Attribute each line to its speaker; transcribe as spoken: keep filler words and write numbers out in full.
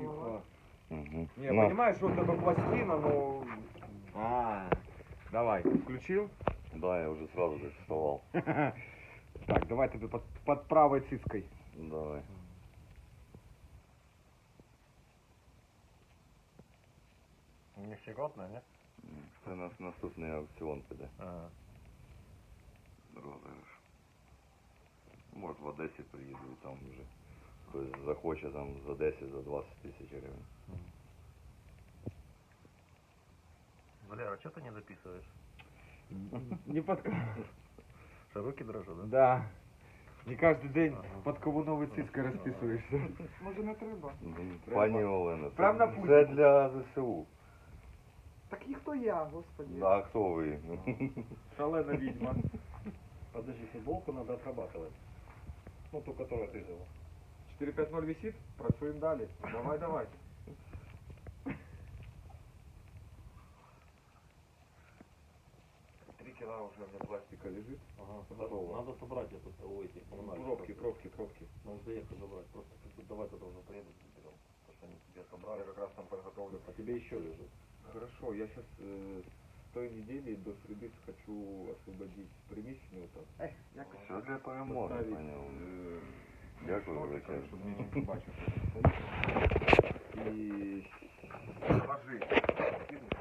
Speaker 1: Тихо.
Speaker 2: Угу.
Speaker 1: Не, понимаешь, вот это пластина, но... А, давай, включил?
Speaker 2: Да, я уже сразу же вставал.
Speaker 1: Так, давай тебе под, под правой циской.
Speaker 2: Давай.
Speaker 3: Не щекотно, не?
Speaker 2: Це нас наступний аукціон піде.
Speaker 3: Ага.
Speaker 2: Розіграш. Може в Одесі приїду і там вже хтось захоче там за десять, за двадцять тисяч гривень.
Speaker 3: Валера, что ты не записываешь?
Speaker 1: Не под...
Speaker 3: Что, руки дрожат, да?
Speaker 1: Да. Не каждый день
Speaker 3: Ага.
Speaker 1: под кого новой циской расписываешься.
Speaker 4: Може не треба.
Speaker 2: Ну, Пані Олена,
Speaker 1: Прям на
Speaker 2: це,
Speaker 1: пульті.
Speaker 2: це для ЗСУ.
Speaker 4: Так і хто я, господи.
Speaker 2: А хто ви?
Speaker 1: Шалена ведьма.
Speaker 3: Подожди, футболку надо отрабатывать. Ну, ту, которую ты взяла.
Speaker 1: четыре пять ноль висит? Працуем дали. Давай, давай. Три кило уже у меня пластика лежит.
Speaker 3: Ага,
Speaker 1: Готово.
Speaker 3: надо собрать это, у этих коммунальных.
Speaker 1: Пробки, пробки, пробки.
Speaker 3: Надо заехать забрать. Просто как бы давай туда уже поедут, заберем. Потому что они тебе собрали.
Speaker 1: Я как раз там подготовлю.
Speaker 3: А тебе еще лежит.
Speaker 1: Хорошо, я сейчас э, с той недели до среды хочу освободить приміщення там.
Speaker 4: Ех, якось.
Speaker 2: Все для перемоги,
Speaker 1: Поставить,
Speaker 2: пані Олена.
Speaker 1: э,
Speaker 2: Дякую,
Speaker 1: столик,
Speaker 2: величезно.
Speaker 1: щоб мені бачив, що там стоїть. І ложи.